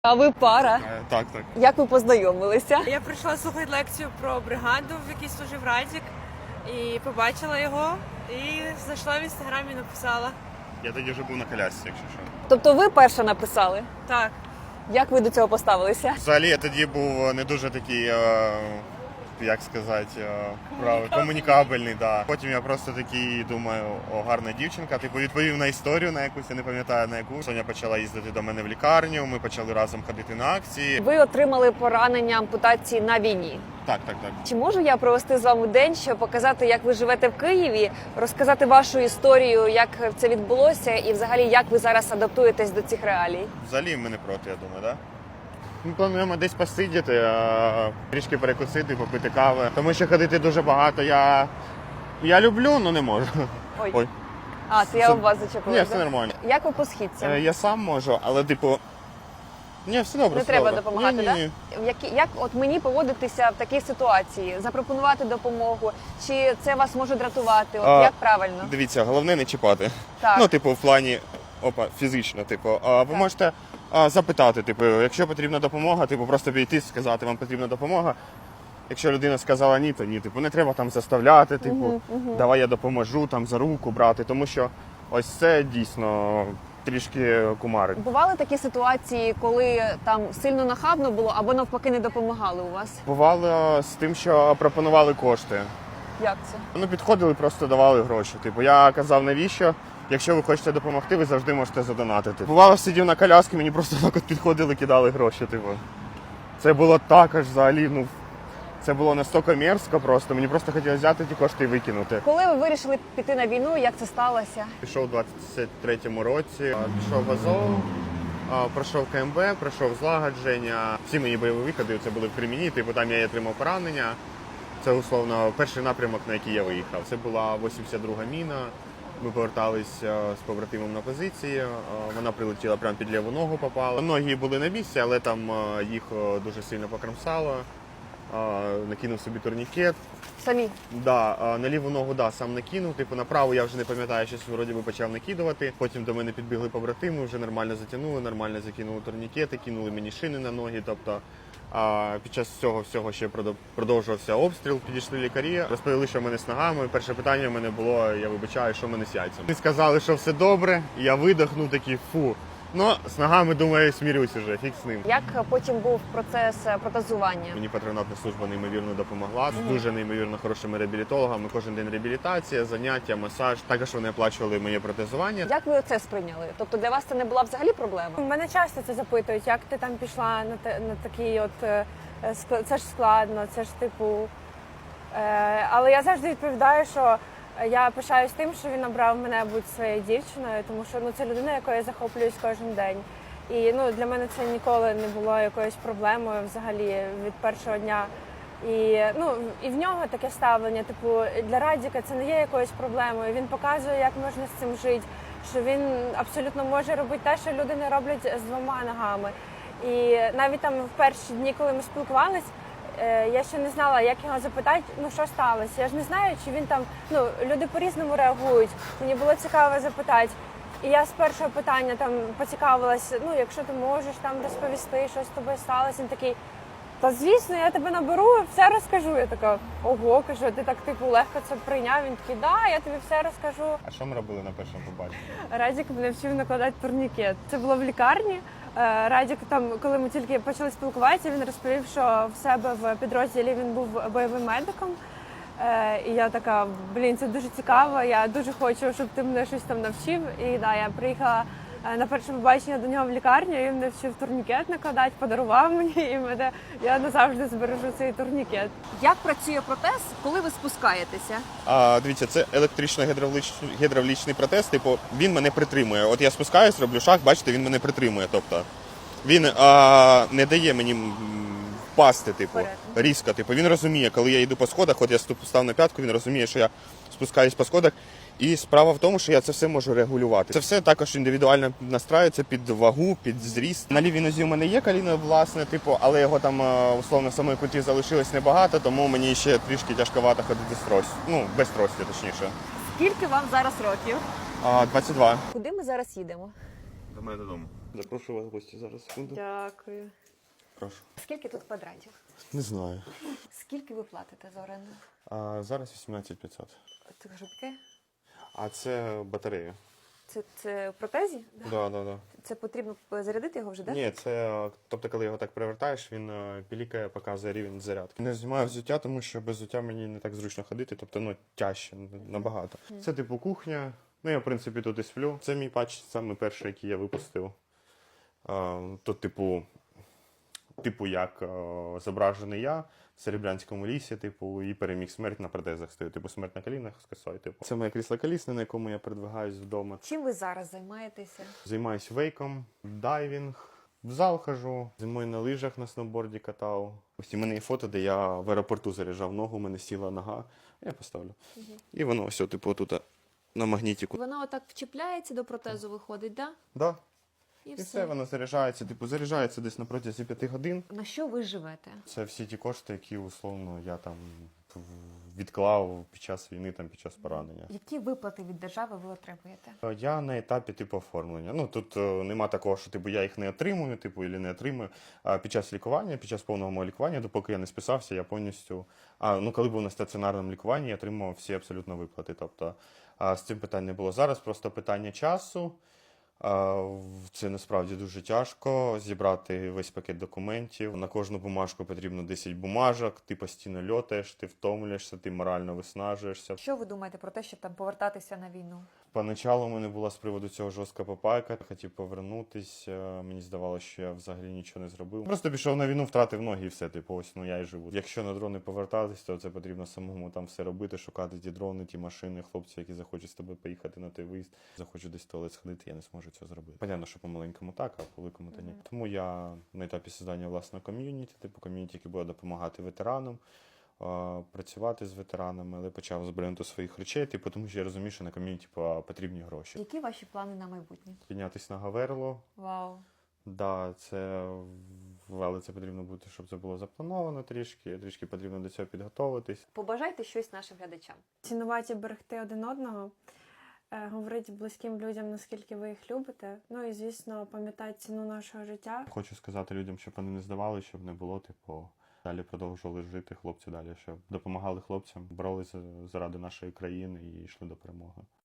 А ви пара? Так, так. Як ви познайомилися? Я прийшла слухати лекцію про бригаду, в якій служив Радік, і побачила його, і зайшла в інстаграмі і написала. Я тоді вже був на колясці, якщо що. Тобто ви перша написали? Так. Як ви до цього поставилися? Взагалі я тоді був не дуже такий, як сказати, комунікабельний. Да. Потім я просто такий думаю, о, гарна дівчинка. Типу відповів на історію на якусь, я не пам'ятаю на яку. Соня почала їздити до мене в лікарню, ми почали разом ходити на акції. Ви отримали поранення ампутації на війні. Так. Чи можу я провести з вами день, щоб показати, як ви живете в Києві, розказати вашу історію, як це відбулося і взагалі як ви зараз адаптуєтесь до цих реалій? Взагалі ми не проти, я думаю, так? Да? Ми плануємо десь посидіти, трішки перекусити, попити кави. Тому що ходити дуже багато я люблю, але не можу. Ой. А, це я об вас зачепила. Ні, все нормально. Як ви по східцям? Я сам можу, але типу... Ні, все добре, Не все треба добре. допомагати, так? Ні. Як от мені поводитися в такій ситуації? Запропонувати допомогу? Чи це вас може дратувати? От як правильно? Дивіться, головне не чіпати. Так. Ну, типу, в плані фізично, типу. Ви можете запитати, типу, якщо потрібна допомога, типу, просто підійти, сказати, вам потрібна допомога. Якщо людина сказала ні, то ні. Tипу, не треба там заставляти, типу, давай я допоможу, там за руку брати, тому що ось це дійсно трішки кумарить. Бували такі ситуації, коли там сильно нахабно було або навпаки не допомагали у вас? Бувало з тим, що пропонували кошти. Як це? Ну, підходили, просто давали гроші. Типу, я казав, навіщо? Якщо ви хочете допомогти, ви завжди можете задонатити. Бувало, сидів на коляскі, мені просто так от підходили, кидали гроші. Типу. Це було також взагалі, ну, це було настільки мерзко просто. Мені просто хотілося взяти ті кошти і викинути. Коли ви вирішили піти на війну, як це сталося? Пішов у 23-му році, пішов в Азов, пройшов КМБ, пройшов злагодження. Всі мої бойові виходи це були в Кремені, типу там я і отримав поранення. Це, условно, перший напрямок, на який я виїхав. Це була 82-га міна. Ми поверталися з побратимом на позиції. Вона прилетіла прямо під ліву ногу, попала. Ноги були на місці, але там їх дуже сильно покромсало. Накинув собі турнікет. Самі? Да, на ліву ногу сам накинув. Типу на праву я вже не пам'ятаю, щось вроді би почав накидувати. Потім до мене підбігли побратими, вже нормально затягнули, нормально закинули турнікети, кинули мені шини на ноги. Тобто під час цього всього ще продовжувався обстріл, підійшли лікарі, розповіли, що в мене з ногами. Перше питання в мене було, я вибачаю, що в мене з яйцями. Вони сказали, що все добре, і я видихнув такий фу. Ну, з ногами, думаю, смірюсь уже, фіг з ним. Як потім був процес протезування? Мені патронатна служба неймовірно допомогла, з дуже неймовірно хорошими реабілітологами. Кожен день реабілітація, заняття, масаж. Також вони оплачували моє протезування. Як ви це сприйняли? Тобто для вас це не була взагалі проблема? Мене часто це запитують, як ти там пішла на такий от, це ж складно, це ж типу. Але я завжди відповідаю, що я пишаюсь тим, що він обрав мене бути своєю дівчиною, тому що це людина, якою я захоплююсь кожен день. І для мене це ніколи не було якоюсь проблемою взагалі від першого дня. І в нього таке ставлення, типу, для Радіка це не є якоюсь проблемою. Він показує, як можна з цим жити, що він абсолютно може робити те, що люди не роблять з двома ногами. І навіть там в перші дні, коли ми спілкувались, я ще не знала, як його запитати, що сталося. Я ж не знаю, чи він там, люди по-різному реагують. Мені було цікаво запитати. І я з першого питання там поцікавилась, якщо ти можеш там розповісти, що з тобою сталося. Він такий, та звісно, я тебе наберу, все розкажу. Я така, ого, кажу, ти так типу легко це прийняв. Він такий, да, я тобі все розкажу. А що ми робили на першому побаченні? Радік мене вчив накладати турнікет. Це було в лікарні. Радік там, коли ми тільки почали спілкуватися, він розповів, що в себе в підрозділі він був бойовим медиком. І я така, це дуже цікаво, я дуже хочу, щоб ти мене щось там навчив. І я приїхала на перше побачення до нього в лікарню, і він мене вчив турнікет накладати, подарував мені, і я назавжди збережу цей турнікет. Як працює протез, коли ви спускаєтеся? Дивіться, це електрично-гідравлічний протез, типу, він мене притримує. От я спускаюсь, роблю шаг, бачите, він мене притримує. Тобто він не дає мені впасти, типу, різко. Типу, він розуміє, коли я йду по сходах, от я став на п'ятку, він розуміє, що я спускаюсь по сходах. І справа в тому, що я це все можу регулювати. Це все також індивідуально настраюється під вагу, під зріст. На лівій нозі у мене є коліно, власне, типу, але його там, условно, самої куті залишилось небагато, тому мені ще трішки тяжковато ходити з тростю. Без трості, точніше. Скільки вам зараз років? 22. Куди ми зараз їдемо? До мене додому. Запрошую вас в гості зараз, секунду. Дякую. Прошу. Скільки тут квадратів? Не знаю. Скільки ви платите за оренду? А зараз 18 500. Це шубки? А це батарея. Це в протезі? Да. Це потрібно зарядити його вже, так? Ні, це, тобто, коли його так перевертаєш, він пілікає, показує рівень зарядки. Не знімаю взуття, тому що без взуття мені не так зручно ходити, тобто, тяжче набагато. Це типу кухня. Ну, я, в принципі, тут і сплю. Це мій патч, саме перший, який я випустив. Тут, типу як зображений я в Серебрянському лісі, типу, і переміг смерть на протезах стою. Типу, смерть на колінах з косою. Типу. Це моє крісло колісне, на якому я передвигаюсь вдома. Чим ви зараз займаєтеся? Займаюсь вейком, дайвінг, в зал хожу, зимою на лижах на сноуборді катав. Ось у мене є фото, де я в аеропорту заряджав ногу, у мене сіла нога. Я поставлю. І воно все, типу, тут на магнітику. Вона отак вчіпляється до протезу, виходить, так? Да. І І все, воно заряджається, заряджається десь на протязі 5 годин. На що ви живете? Це всі ті кошти, які, условно, я там відклав під час війни, під час поранення. Які виплати від держави ви отримуєте? Я на етапі оформлення. Ну тут нема такого, що я їх не отримую, або не отримую. А під час лікування, під час повного мого лікування, допоки я не списався, я повністю. Коли був на стаціонарному лікуванні, я отримував всі абсолютно виплати. Тобто з цим питань не було. Зараз просто питання часу. Це насправді дуже тяжко зібрати весь пакет документів. На кожну бумажку потрібно 10 бумажок, ти постійно льотаєш, ти втомлюєшся, ти морально виснажуєшся. Що ви думаєте про те, щоб там повертатися на війну? Поначалу у мене була з приводу цього жорстка попайка, хотів повернутися, мені здавалося, що я взагалі нічого не зробив. Просто пішов на війну, втратив ноги і все, ось, я і живу. Якщо на дрони повертатись, то це потрібно самому там все робити, шукати ті дрони, ті машини, хлопці, які захочуть з тобою поїхати на той виїзд, захочуть десь в туалет сходити, я не зможу цього зробити. Понятно, що по-маленькому так, а по-великому то ні. Тому я на етапі створення власного ком'юніті, ком'юніті, яке буде допомагати ветеранам, працювати з ветеранами, але почав з бренду своїх речей, тому що я розумію, що на ком'юніті потрібні гроші. Які ваші плани на майбутнє? Піднятись на Гаверло. Вау. Да, але це потрібно бути, щоб це було заплановано трішки потрібно до цього підготовитись. Побажайте щось нашим глядачам. Цінувати і берегти один одного, говорити близьким людям, наскільки ви їх любите. Ну і, звісно, пам'ятати ціну нашого життя. Хочу сказати людям, щоб вони не здавали, щоб не було, далі продовжували жити хлопці далі, щоб допомагали хлопцям, боролися заради нашої країни і йшли до перемоги.